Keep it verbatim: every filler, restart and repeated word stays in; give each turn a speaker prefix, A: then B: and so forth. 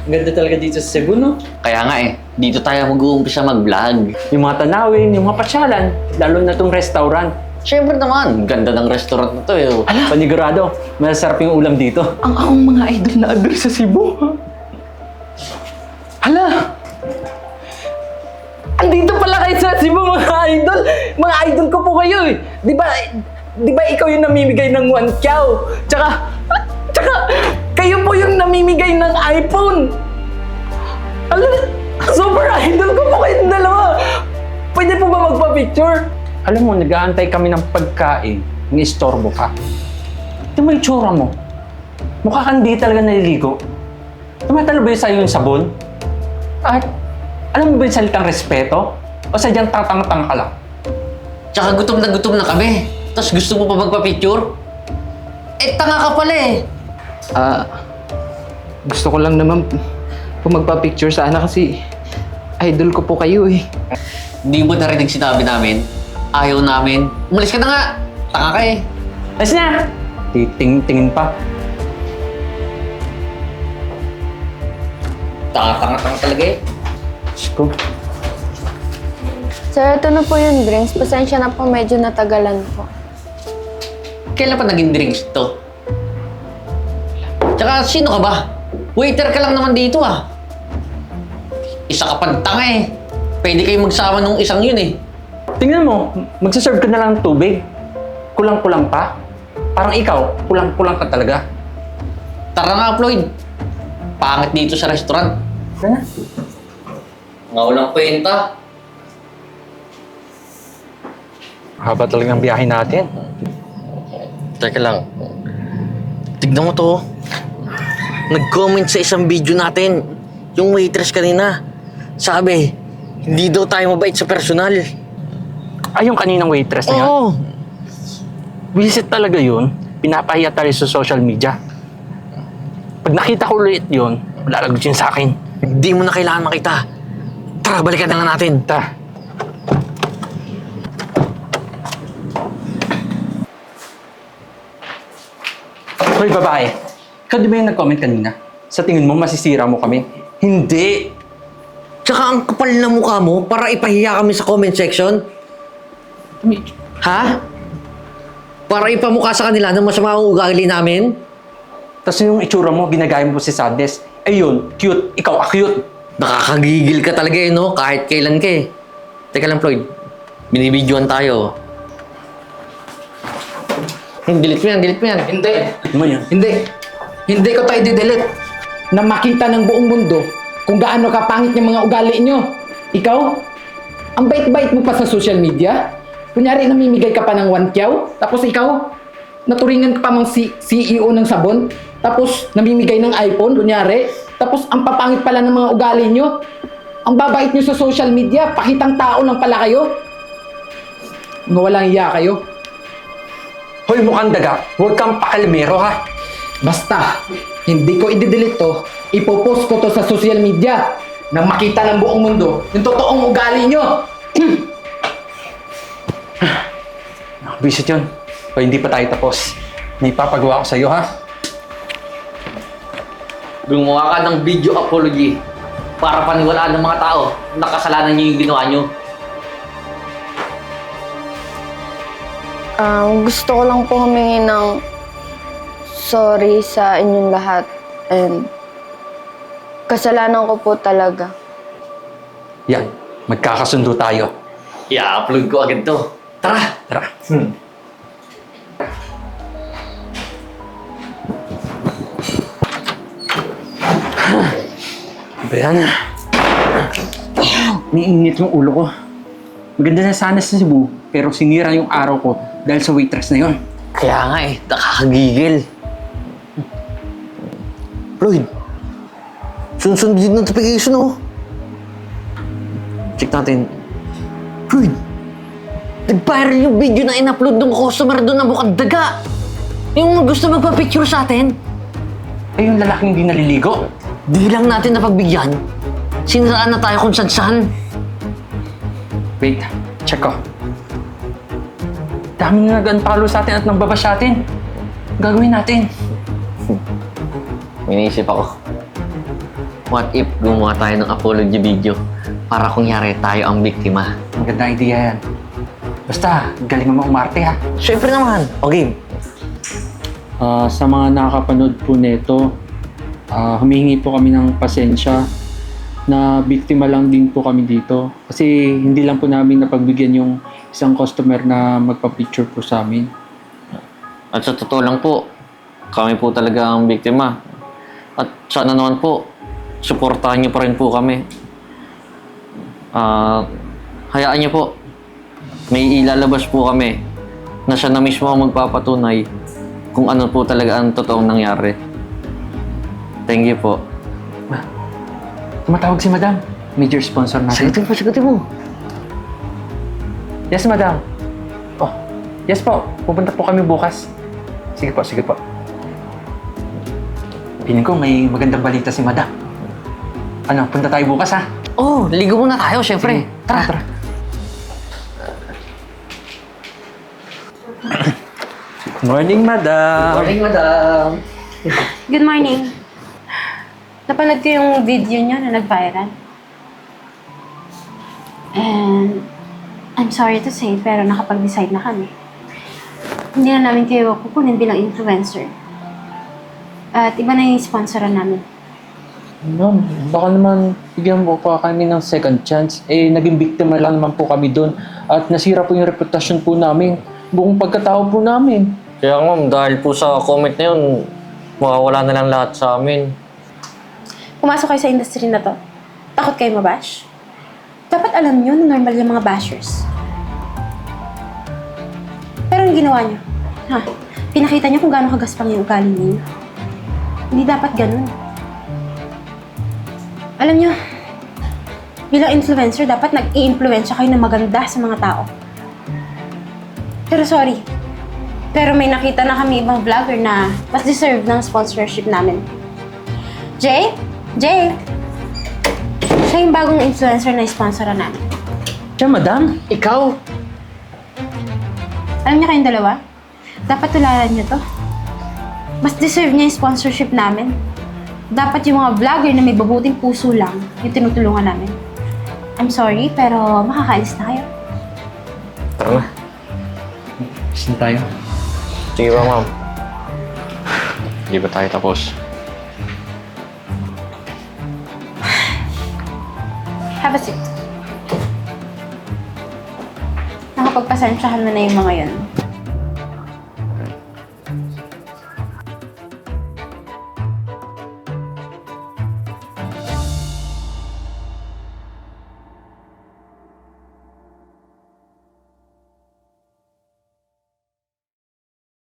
A: Ang ganda talaga dito sa Cebu, no?
B: Kaya nga eh, dito tayo mag-uumpisa mag-vlog.
A: Yung mga tanawin, yung mga pasyalan, lalo na tong restaurant.
B: Siyempre naman, ganda ng restaurant na to eh.
A: Ala, panigurado, masarap yung ulam dito.
C: Ang akong mga idol na idol sa Cebu, ha? Hala! Andito pala kayo sa Cebu, mga idol! Mga idol ko po kayo eh! Di ba, di ba ikaw yung namimigay ng one chow? Tsaka, tsaka, kayo po yung namimigay ng iPhone! Hala, super idol ko po kayong dalawa! Pwede po ba magpa-picture?
A: Alam mo, nag-aantay kami ng pagkain, ng istorbo ka. Ito mo yung tsura mo. Mukha kang di talaga naliligo. Tumatalo ba yun sa'yo yung sabon? At alam mo ba yung salitang respeto? O sadyang tatang-tang ka lang?
B: Tsaka gutom na gutom na kami. Tapos gusto mo pa magpa-picture? Eh, tanga ka pala eh.
C: Ah, gusto ko lang naman po magpa-picture sana kasi idol ko po kayo eh.
B: Hindi mo narinig sinabi namin. Ayaw namin. Umalis ka na nga. Tanga ka eh.
A: Ayos na! Titing-tingin pa.
B: Tanga-tanga-tanga talaga eh.
A: Diyos ko.
D: Sir, ito na po yung drinks. Pasensya na po, medyo natagalan po.
B: Kailan pa naging drinks to? Tsaka sino ka ba? Waiter ka lang naman dito ah. Isa ka pang tanga eh. Pwede kayo magsama nung isang yun eh.
A: Tingnan mo, magsaserve ka na lang ng tubig. Kulang-kulang pa. Parang ikaw, kulang-kulang ka talaga.
B: Tara nga, Floyd. Pangit dito sa restaurant.
A: Tara na.
B: Nga walang kwenta.
A: Haba talaga ng biyahe natin.
B: Teka lang. Tignan mo to. Nag-comment sa isang video natin. Yung waitress kanina. Sabi, hindi daw tayo mabait sa personal.
A: Ay, yung kaninang waitress na yan.
B: Oo.
A: Visit talaga yun. Pinapahiya tayo sa social media. Pag nakita ko ulit yun, malalagot yun sa akin.
B: Hindi mo na kailangan makita. Tara, balikan na nga natin.
A: Ta. Hoy, babae. Ikaw di ba yung nag-comment kanina? Sa tingin mo, masisira mo kami? Hindi!
B: Tsaka ang kapal na mukha mo para ipahiya kami sa comment section. Ha? Para ipamukha sa kanila ng masama ang ugali namin?
A: Tapos yung itsura mo, ginagaya mo si Sadness. Ayun, cute. Ikaw, a-cute.
B: Nakakagigil ka talaga eh, no? Kahit kailan ka eh. Teka lang, Floyd. Binibidyoan tayo. Yung delete mo yan, delete mo yan.
C: Hindi.
A: Ano mo yan?
C: Hindi. Hindi ko tayo didelete. Na makita ng buong mundo kung gaano kapangit yung mga ugali nyo. Ikaw, ang bait-bait mo pa sa social media. Kunyari, namimigay ka pa ng one kyaw. Tapos ikaw, naturingan ka pa mong C- CEO ng sabon. Tapos, namimigay ng iPhone, kunyari. Tapos, ang papangit pala ng mga ugali nyo. Ang babait nyo sa social media. Pakitang tao lang pala kayo. Mga walang iya kayo.
A: Hoy, mukhang daga. Huwag kang pakalmero, ha?
C: Basta, hindi ko i-delete to, ipopost ko to sa social media nang makita ng buong mundo yung totoong ugali nyo.
A: Visit yun. O hindi pa tayo tapos. May papagawa ko sa'yo, ha?
B: Gumawa ka ng video apology para paniwalaan ng mga tao na kasalanan niyo yung ginawa niyo.
D: Um, gusto ko lang po humingi ng sorry sa inyong lahat. And kasalanan ko po talaga.
A: Yan. Magkakasundo tayo.
B: I-upload ko agad to. Tara!
A: Tara.
B: Hmm.
A: Ba yan? Niinit yung ulo ko. Maganda na sana sa Cebu, pero sinira yung araw ko dahil sa waitress na yon.
B: Kaya nga eh, nakakagigil. Floyd, sunod-sunod yung notification oh. Check natin. Floyd, nag-viral yung video na in-upload ng customer doon na mukhang daga. Yung gusto magpa-picture sa atin.
A: Ay, yung lalaking hindi naliligo.
B: Di lang natin napagbigyan. Siniraan na tayo kung saan-saan.
A: Wait, check ko. Dami na nag-unfollow sa atin at nagbabash sa atin. Gagawin natin.
B: Iniisip ako. what if gumawa tayo ng apology video para kunyari tayo ang biktima?
A: Magandang idea yan. Basta, galing mo umarte ha.
B: Siyempre naman. Okay.
A: Ah, sa mga nakakapanood po nito, ah, humihingi po kami ng pasensya na biktima lang din po kami dito. Kasi hindi lang po namin napagbigyan yung isang customer na magpa-picture po sa amin.
B: At sa totoo lang po, kami po talaga ang biktima. At sana naman po, suportahan niyo pa rin po kami. Ah, hayaan niyo po. May ilalabas po kami na siya na mismo ang magpapatunay kung ano po talaga ang totoong nangyari. Thank you po.
A: Tumatawag si Madam. Major sponsor natin.
B: Sagutin po, sagutin mo.
A: Yes, Madam. Oh, yes po. Pupunta po kami bukas. Sige po, sige po. Piling ko may magandang balita si Madam. Ano, punta tayo bukas ha?
B: Oh, ligo muna tayo, syempre.
A: Sige, tara, tara. Morning, Madam.
B: Morning, madam.
E: Good morning. Napanood ko yung video niyo na nag-viral. And I'm sorry to say, pero nakapag-decide na kami. Hindi na namin kayo kukunin bilang influencer. At iba na yung sponsoran namin.
A: Ma'am, baka naman bigyan mo pa kami ng second chance. Eh, naging biktima lang naman po kami doon. At nasira po yung reputasyon po namin. Buong pagkatao po namin.
B: Kaya ma'am, dahil po sa comment na yun, mawawala na lang lahat sa amin.
E: Pumasok kayo sa industry na to. Takot kayo mabash? Dapat alam nyo na normal yung mga bashers. Pero yung ginawa nyo, ha? Pinakita nyo kung gaano kagaspang yung ugali ninyo. Hindi dapat ganun. Alam nyo, bilang influencer, dapat nag-i-influensya kayo na maganda sa mga tao. Pero sorry, pero may nakita na kami ibang vlogger na mas deserve ng sponsorship namin. Jay? Jay? Siya yung bagong influencer na sponsoran namin.
A: Siya, Madam.
C: Ikaw,
E: Alam niyo kayong dalawa? Dapat tularan niyo to. Mas deserve niya yung sponsorship namin. Dapat yung mga vlogger na may babuting puso lang yung tinutulungan namin. I'm sorry, pero makakaalis na kayo.
B: Tara na.
A: Saan tayo?
B: Sige ba, ma'am? Hindi ba tayo tapos?
E: Have a seat. Nakapagpasensyahan mo na yung mga yun.